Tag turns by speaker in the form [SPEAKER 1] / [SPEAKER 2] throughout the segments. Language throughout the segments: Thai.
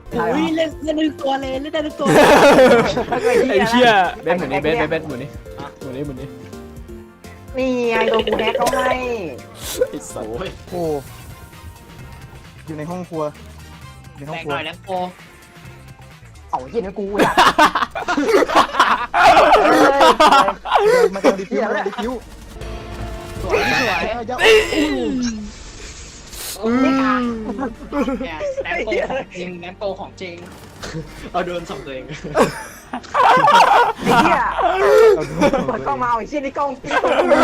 [SPEAKER 1] อุ้ยเล่นได้ทุกตัวเลยเล่นได้ทุกตัว
[SPEAKER 2] ไอ้เหี้ยเบสหมุนนี้เบสหมุนนี้หมุนนี้
[SPEAKER 3] นี่ไงโดนกูแฮกเขาให้
[SPEAKER 2] ไอ้สัตว์
[SPEAKER 4] โอ้อยู่ในห้องครัวในห้อง
[SPEAKER 1] แบก
[SPEAKER 4] ครัว
[SPEAKER 1] หน่อยแล้วโป
[SPEAKER 3] เอาเหี้ยนะกูอยาก
[SPEAKER 4] มาเอาดิฟิวมาดิฟิว
[SPEAKER 1] สวยสวย
[SPEAKER 4] เยอะ
[SPEAKER 1] แกแนมโปของจริงเอาโดนส่งตัวเอง
[SPEAKER 3] ไอ้เหี้ยเปิดกล้องมาเอาไอ้เชี่ยนี่กล้องติ๊ก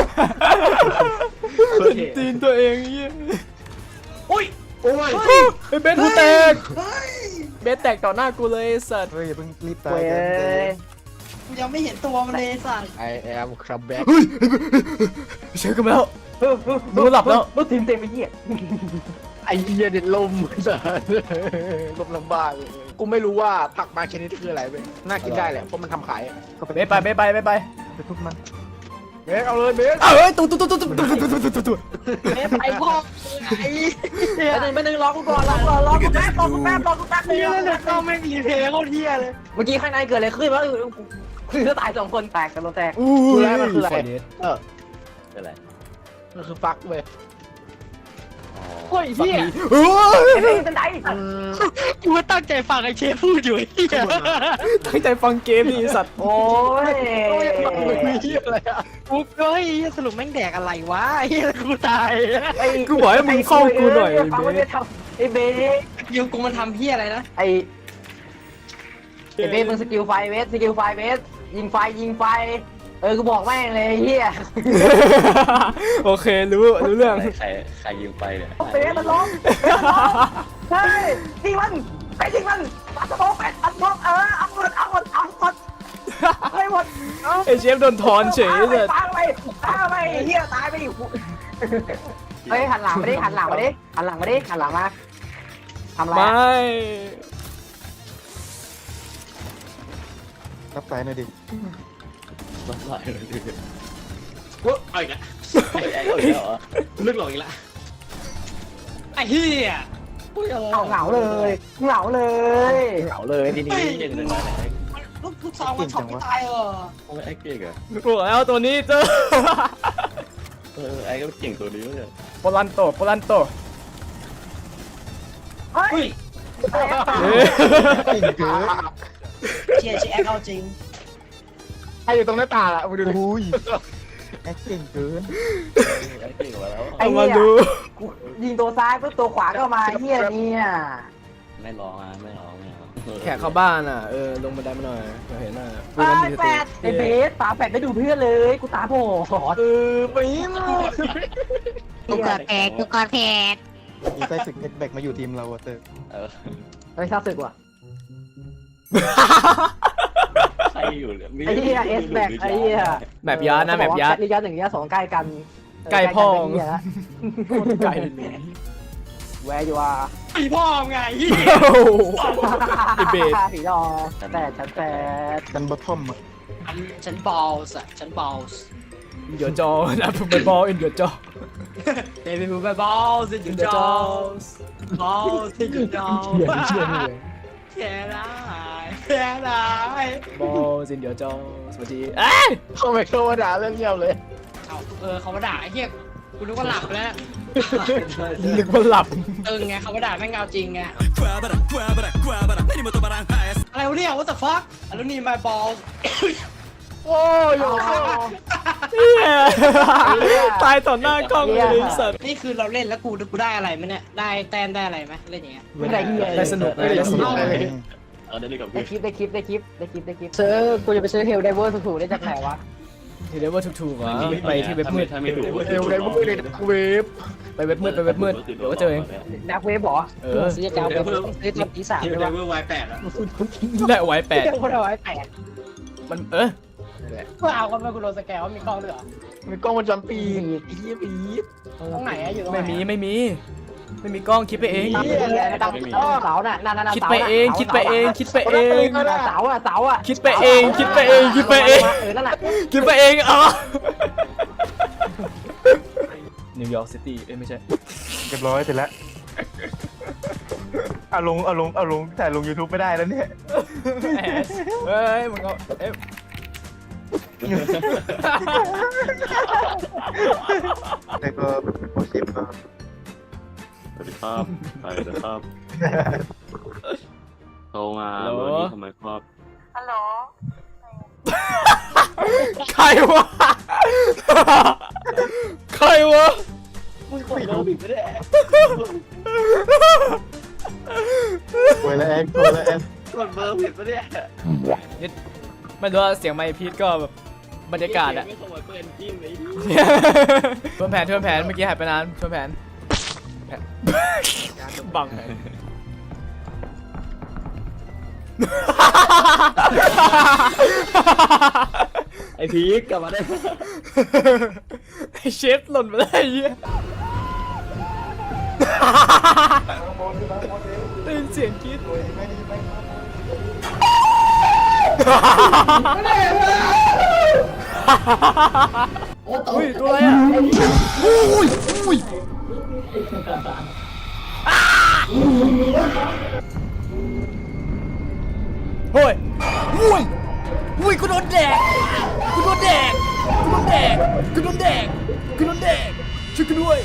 [SPEAKER 2] ตีนตัวเองเหี้ย
[SPEAKER 1] อุ้ย
[SPEAKER 4] โอ้ย
[SPEAKER 2] ไอ้เบสกูแตกเบสแตกต่อหน้ากูเลยไอ้สัตว์
[SPEAKER 4] เฮ้ยอย่าเพิ่งรีบตา
[SPEAKER 3] เว้
[SPEAKER 4] ย
[SPEAKER 3] ย
[SPEAKER 4] กัน
[SPEAKER 1] กูยังไม่เห็นตัวมันเลยสัตว์
[SPEAKER 5] I am crab back
[SPEAKER 2] เฮ้ยเชื่อกันแล้วมึงหลับแล้ว
[SPEAKER 3] รถทีมเต็มไปเหี้ย
[SPEAKER 5] ไอ้เหี้ยเด็ดลมลมลำบากกูไม่รู้ว่าผักบางชนิดคืออะไรเว้ยน่ากินได้แหละเพราะมันทำขาย
[SPEAKER 2] เบสไป
[SPEAKER 4] ไปทุบมัน
[SPEAKER 5] เบสเอาเลยเบส
[SPEAKER 2] เอ้ยตุ๊
[SPEAKER 1] ไอ้พ่อไอ้
[SPEAKER 3] ไม่นึงรอกูก่อนรอกูแป๊บรอกูแป๊บ
[SPEAKER 1] เฮียเลยต้องไม่มีเพลงโคตรเฮียเลย
[SPEAKER 3] เมื่อกี้ข้างในเกิดอะไรขึ้นวะคือถ้าตาย2 คนแตกกันรถแตก
[SPEAKER 2] อู้ย
[SPEAKER 5] มันคืออะไร
[SPEAKER 2] เออ
[SPEAKER 5] อะไรมันคือฟักเว้ย
[SPEAKER 1] โอ้ยเฮีย
[SPEAKER 2] โอ้ย
[SPEAKER 3] ไอ้เด็กเป็นไหน
[SPEAKER 1] กูตั้งใจฟังไอ้เชฟพูดอยู่เฮีย
[SPEAKER 2] ตั้งใจฟังเกมนี่สัตว์
[SPEAKER 3] โอ้ย
[SPEAKER 5] เหี้ยอะไรอ่ะ
[SPEAKER 1] กูเฮ้ยสรุปแม่งแดกอะไรวะเฮียกูตาย
[SPEAKER 2] กูบอกให้มึงเข้ากูหน่อย
[SPEAKER 3] ฟัง
[SPEAKER 2] เบ
[SPEAKER 3] ไม่ได้
[SPEAKER 2] ส
[SPEAKER 3] ทำไอ้เบส
[SPEAKER 1] ยูกูมันทำเฮียอะไรนะ
[SPEAKER 3] ไอ้เบสมึงสกิลไฟเบสยิงไฟกูบอกแม่งเลยเฮีย
[SPEAKER 2] โอเครู้เรื่อง
[SPEAKER 6] ใครยิงไปเนี่ย
[SPEAKER 3] เบสมันล้มเฮ้ยยิงมันไปยิงมันปัดสมองปัดสมองเอาหมดให้หมด
[SPEAKER 2] ไอเชฟโดนถอนเฉยเลย
[SPEAKER 3] ตายไปเฮียตายไปอีกเฮ้ยหันหลังมาดิหันหลังมาทำไร
[SPEAKER 2] ไม่
[SPEAKER 4] รับสายหน่อยดิ
[SPEAKER 6] บ้าอะไรเลย
[SPEAKER 1] กูเอาอีกแล้ว
[SPEAKER 6] เอาอีกแล้วเหรอ
[SPEAKER 1] ลึกหลงอีกแล้วไอ้เฮีย
[SPEAKER 3] เหงาเลย
[SPEAKER 5] เหงาเลยทีนี้
[SPEAKER 6] เก่งเลยนะ
[SPEAKER 1] ลูกซองมันช็อตไม่ตายเหรอ
[SPEAKER 6] โอ้ยไอ้เก่งอะ
[SPEAKER 2] บอกแล้วตัวนี้เจอ
[SPEAKER 6] ไอ้ก็เก่งตัวนี้เนี่ย
[SPEAKER 2] โปลันโต
[SPEAKER 3] เฮ้ย
[SPEAKER 4] เก่งเกิน
[SPEAKER 1] เชียร์แอคเอาจริง
[SPEAKER 5] ไอ้อยู่ตรงหน้าต่างอ่ะมึงดูดิ
[SPEAKER 4] โอ้ยแอคเก่งเกิน
[SPEAKER 6] ไอ้เก่งมาแล้ว
[SPEAKER 2] เอามาดู
[SPEAKER 3] ยิงตัวซ้ายปุ๊บตัวขวาก็มาเฮียเนี่ย
[SPEAKER 6] ไม่ร้องอ่ะไม่ร้อง
[SPEAKER 2] แขกเข้าบ้านอ่ะลงบันไดมาหน่อยเราเห็นอ่ะ
[SPEAKER 3] แปดไอ้เบสตาแปดไม่ดูเพื่อนเลยกูตาโผล่
[SPEAKER 5] ไปมั้ง
[SPEAKER 7] กูกอดแพด
[SPEAKER 4] ดีใจสึกแบกมาอยู่ทีมเราอะเตอร์
[SPEAKER 3] เฮ้ยชอบสึกว่ะ
[SPEAKER 6] ใครอยู่เนี่ย
[SPEAKER 3] ไอ้เหี้ยเอสแบกไอ้เหี้ย
[SPEAKER 2] แมปยาร์ดนะแมปยาร์ด
[SPEAKER 3] ระยะ1ระยะ2ใกล้กัน
[SPEAKER 2] ใกล้พ่อ
[SPEAKER 3] โคตร
[SPEAKER 2] ไกล
[SPEAKER 3] แวร์อยู่อ่ะ
[SPEAKER 1] ไอ้พ่อไงเฮีย
[SPEAKER 2] ไอเบส
[SPEAKER 3] ผีดอแต่ฉันแต่
[SPEAKER 4] กันบอททอมอะ
[SPEAKER 1] ฉันบอลส์ฉันบอลส์
[SPEAKER 2] เดี๋ยวจอนะผมไปบอลเดี๋ยวจอ
[SPEAKER 1] เดวิดบูเบอร์บอลส์อยู่จอบอลส์อยู่จอแค่ได้
[SPEAKER 2] บอลสินเดี๋ยวจอสวัสดีเอ้ย
[SPEAKER 5] เข้าไปเข้ามาด่าเรื่องเงียบเลย
[SPEAKER 1] เขามาด่าไอ้เหี้ยกูนึกว่าหลับแล้ว
[SPEAKER 2] นึกว่าหลับ
[SPEAKER 1] ไงเขามาด่าแม่งเอาจริงไงอะไรวะเนี่ย what the fuck แล้วนี่ my ball
[SPEAKER 5] โอ้ย
[SPEAKER 2] ตายต่อหน้ากล้องเลยสัตว์
[SPEAKER 1] นี่คือเราเล่นแล้วกูได้อะไรไหมเนี่ยได้แต้มได้อะไรไหมเล่นอย่างเงี้ย
[SPEAKER 3] ไม่ได้เหี้ย
[SPEAKER 2] ได้สนุกได้สนุก
[SPEAKER 6] เอาได้เลยกับ
[SPEAKER 3] ได้
[SPEAKER 6] พี่
[SPEAKER 3] คลิปซื้อกูจะไปซื้อเฮลไดเวอร์ถูกๆได้จากไหนวะ
[SPEAKER 2] ทีเดียวว่าถูกๆอ่ะไปที่เว็บมืด
[SPEAKER 6] ถ้าไม่ถูก
[SPEAKER 5] เร็วเลยมึงเลยเวฟ
[SPEAKER 2] ไปเว็บมืดเดี๋ยวก็เจอเอง
[SPEAKER 3] นักเวฟบอซื้อจะเอาไปซื้อทำตีสาม
[SPEAKER 1] เดี๋ยว
[SPEAKER 3] ด้วย
[SPEAKER 1] เวอร์ไวแปดอ่ะ
[SPEAKER 2] ได้ไว้แปด
[SPEAKER 3] เจ้าคนเอาไว้8
[SPEAKER 2] มัน
[SPEAKER 1] กูเอาก็ไม่กูโดนสแกนว่ามีกล้องด้วยเหรอ
[SPEAKER 5] มีกล้องวงจรปิดไอ้เหี้ยปีด
[SPEAKER 1] ตรงไหนอะอยู่ตรงไหน
[SPEAKER 2] ไม่มีกล้องคิดไปเอง
[SPEAKER 3] เสาน่ะนั่น
[SPEAKER 2] คิดไปเองคิดไปเองคิดไปเอง
[SPEAKER 3] เสาอ่ะ
[SPEAKER 2] คิดไปเองคิดไปเองคิดไปเอง
[SPEAKER 3] นั่นแหละ
[SPEAKER 2] คิดไปเองอ๋อนิวยอร์กซิตี้ไม่ใช่
[SPEAKER 4] เรียบร้อยเสร็จแล้วเอาลงแต่ลง YouTube ไม่ได้แล้วเนี่ย
[SPEAKER 2] แอดเฮ้ยมึงเอาเอ๊ะ
[SPEAKER 4] แต่ก็เป็นโปรเซสก็
[SPEAKER 6] สวัสดีครับใครนะครับโทรมาเบอร์นี้ทำไมครับ
[SPEAKER 3] ฮัลโหล
[SPEAKER 2] ใครวะใครวะ
[SPEAKER 6] มึงกดเบอร์ผิดไม่ได้
[SPEAKER 4] โวยแล้วแอนโวยแล้วแอน
[SPEAKER 6] กดเบอร์ผิดไม่ได้
[SPEAKER 2] ไม่รู้ว่าเสียงไมค์พีทก็แบบบรรยากาศอะ
[SPEAKER 6] ไม่ขโมยเปิดจิ้มเลย
[SPEAKER 2] ทวนแผนเมื่อกี้หายไปนานทวนแผนบัง
[SPEAKER 6] ไอพีกกลับมาได้
[SPEAKER 2] ไอเชฟหล่นไปได้เหี้ยได้ยินเสียงกรี๊ดอุ้ยตัวอะไรอ่ะอุ้ยเฮ้ยอุ้ยกูโดนแดกช่วยกันด้วย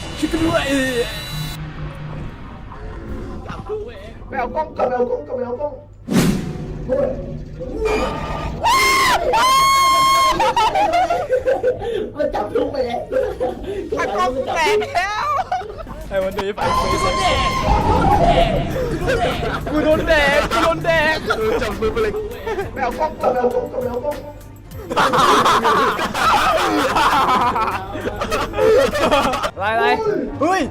[SPEAKER 5] ไปเอากล้องกับเอากล้องกับเอากล้อง
[SPEAKER 3] มันจับลูกไปแล้ว
[SPEAKER 2] ไอ้วันนี้ไปกูโดนแดก
[SPEAKER 5] จับมือไปเลยไปเอากล้องกับเอากล้องกับเอากล้อง
[SPEAKER 2] อะไรเฮ้ย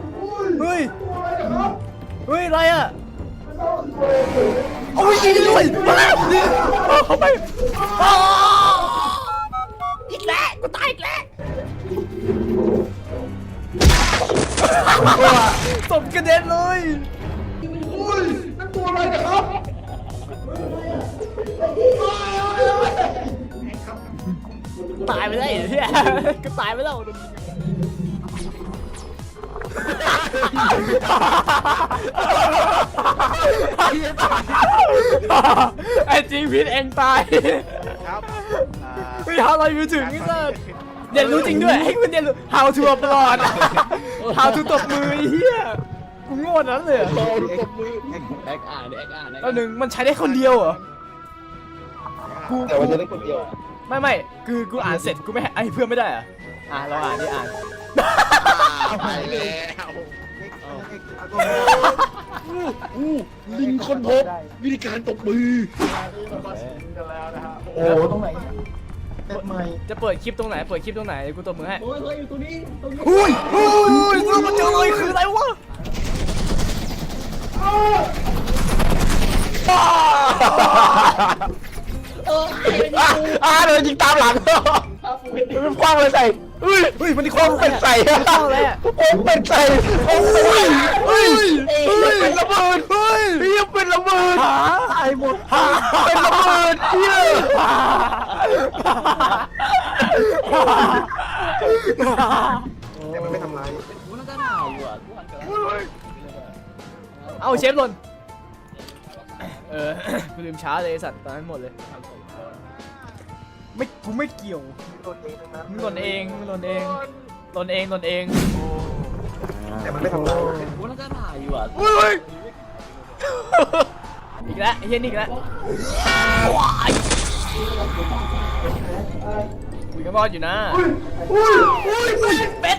[SPEAKER 2] อะไรอ่ะโอ้ยยิงด้วยเข้าไปอีกแล้วกูตายอีกแล้วศพกระเด็นเลยตายไปได้เหี้ยก็ตายไปแล้วไอ้จริงพิษเองตาย
[SPEAKER 4] ครับ
[SPEAKER 2] ไม่หาอะไรอยู่ถึงนี่เลยเรียนรู้จริงด้วยให้คุณเรียนรู้ how to ตลอด how to ตบมือไอ้เหี้ยกูโง่นั้นเลย
[SPEAKER 6] โทรตบมือแอคอ่าน
[SPEAKER 2] แล้วหนึ่งมันใช้ได้คนเดียวเหรอ
[SPEAKER 5] แต่ว่าจะได้คนเดียว
[SPEAKER 2] ไม่คือกูอ่านเสร็จกูไม่ให้ไอ้เพื่อนไม่ได้เหรอเราอ่านนี่อ่าน
[SPEAKER 5] ไปแล้วลิงคนพบวิธีการตบมือโอ้ตรงไหน
[SPEAKER 4] เต็มใหม่
[SPEAKER 2] จะเปิดคลิปตรงไหนเดี๋ยวกูตบมือให้
[SPEAKER 6] โอ้ยอยู่ตรงนี้
[SPEAKER 2] อุ้ยกูมาเจอเลยคืออะไรวะ
[SPEAKER 5] เดินยิงตามหลังมันคว้างเลยใส่เฮ้ยมันคว้างเป็นใส่คว้างเลยอ่ะเป็นใส่เป็นระเบิดเป็นระเบิดตายหมดเป็นระเบิดเฮีย
[SPEAKER 4] แต่มันไม่ทำร้าย
[SPEAKER 6] กูน่าจะหนาวอยู่อ่ะกูหันกันแล้ว
[SPEAKER 2] เอาเชฟหล่นกูลืมช้าเลยสัตว์ตอนนั้นหมดเลยกูไม่เกี่ยว มึงหล่นเอง
[SPEAKER 4] แต่มันไม่ทำร้าย
[SPEAKER 6] กูน่าจะหนาวอยู่อ่ะ
[SPEAKER 2] อีกแล้วไอ้เหี้ยนี่อีกแล้วคุยกันรอดอยู่นะเป็ด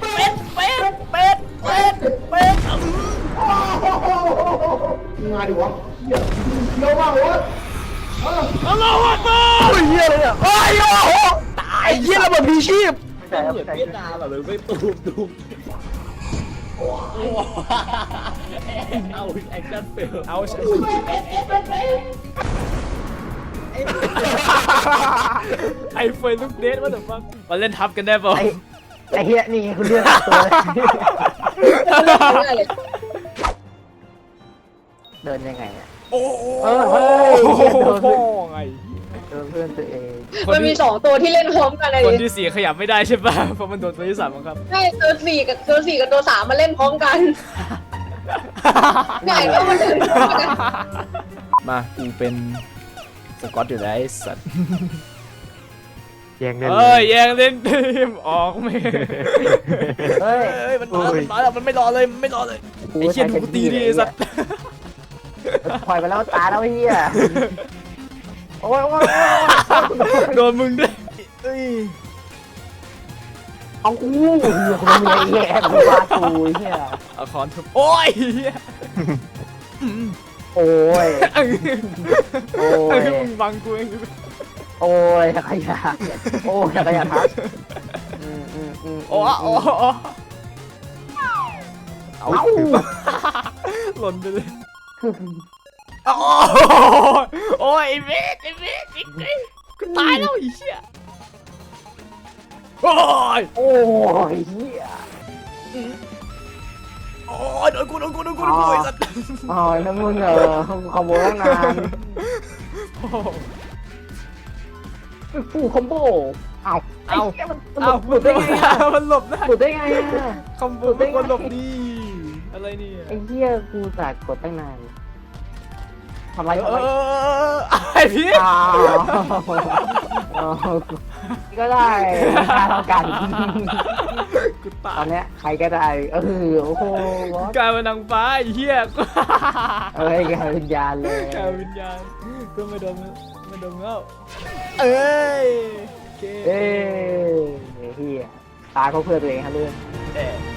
[SPEAKER 5] มาดิวะเยอะมากวะ
[SPEAKER 2] อัลลอฮฺอักบัร
[SPEAKER 5] เฮียเลยเนี่ยโอ้โหตายเฮียระเบิดมีชีพ
[SPEAKER 6] เหมือนเวียดนามแบบไม่ตูมเอาแอคชั่นเฟล
[SPEAKER 2] เอาไอ้เฟยลูกเดทว่าแต่ฟังมาเล่นทับกันได้ป่ะ
[SPEAKER 3] ไอ้เฮียนี่คุณเลือกตัวเดินยังไงอ่ะ
[SPEAKER 2] โอ้โห
[SPEAKER 3] พ่อ
[SPEAKER 2] ไง
[SPEAKER 3] เพื่อนตัวเอง
[SPEAKER 8] มันมี2ตัวที่เล่นพร้อมกันเลย
[SPEAKER 2] คนที่4ขยับไม่ได้ใช่ป่ะเพราะมันโดนตัวที่3บังคับ
[SPEAKER 8] ใช่ตัว4กับตัว3มาเล่นพร้อมกันไหนก็มันถึง
[SPEAKER 2] มากูเป็นสกอตอยู่แล้วไอ้สัตว์
[SPEAKER 3] แย่งเล่น
[SPEAKER 2] เอ้ยแย่งเล่นทีมออกไม่
[SPEAKER 3] เฮ้ย
[SPEAKER 2] เอ้ยมันมาแล้วมันไม่รอเลยมันไม่รอเลยไอ้เชี่ยดูกูตีดิไอ้สัตว์
[SPEAKER 3] ปล่อยไปแล้วตาแล้วเฮียโอ้ยโอ้ย
[SPEAKER 2] โดนมึงด้วยเอ้ย
[SPEAKER 3] เอากูคนมีไอ้แย่กูว่ากูเฮีย
[SPEAKER 2] เอาคอนทุบโอ้ยเหี้ย
[SPEAKER 3] โอ้ย โอ้ย
[SPEAKER 2] มึงบังกูเอง
[SPEAKER 3] โอ้ยขยะโอ้ยขยะทัก
[SPEAKER 2] โอ้โอ้โอ้เอาหล่นไปเลยโอ้โอ้ยไอ้เวทกูตายแล้วไอ้เชี่ยโอ้ย
[SPEAKER 3] โอ้ยเฮีย
[SPEAKER 2] โอ้ยโดนกูไอ้สัตว์
[SPEAKER 3] อ๋อนั่นมึงขโมยตั้งนานฟูคอมโบเอามันหลุดได้ไงอ่ะ
[SPEAKER 2] มันหลบได้
[SPEAKER 3] หลุดได้ไงอ่ะ
[SPEAKER 2] คอมโบเป็นคนหลบดีอะไรเนี่ย
[SPEAKER 3] ไอ้เหี้ยกูสากดตั้งนานทำไรทำไร
[SPEAKER 2] ไอ้พี่
[SPEAKER 3] อ้าวก็ได้เท่ากัน
[SPEAKER 2] กูตา
[SPEAKER 3] ตอย นเนี้ยใครก็ได้โอ้โห
[SPEAKER 2] กลายเป็นนางฟ้าไอ้เหี้ย
[SPEAKER 3] เอ้ยกลายเป็นยานเลย
[SPEAKER 2] กลายเป็นวิญญาณก็ไม่โดนแล้วเอ้ยโอเค
[SPEAKER 3] เอ้ยเฮียตายเขาเพื่อตัวเองครับเรื่อง
[SPEAKER 2] เอ๊ะ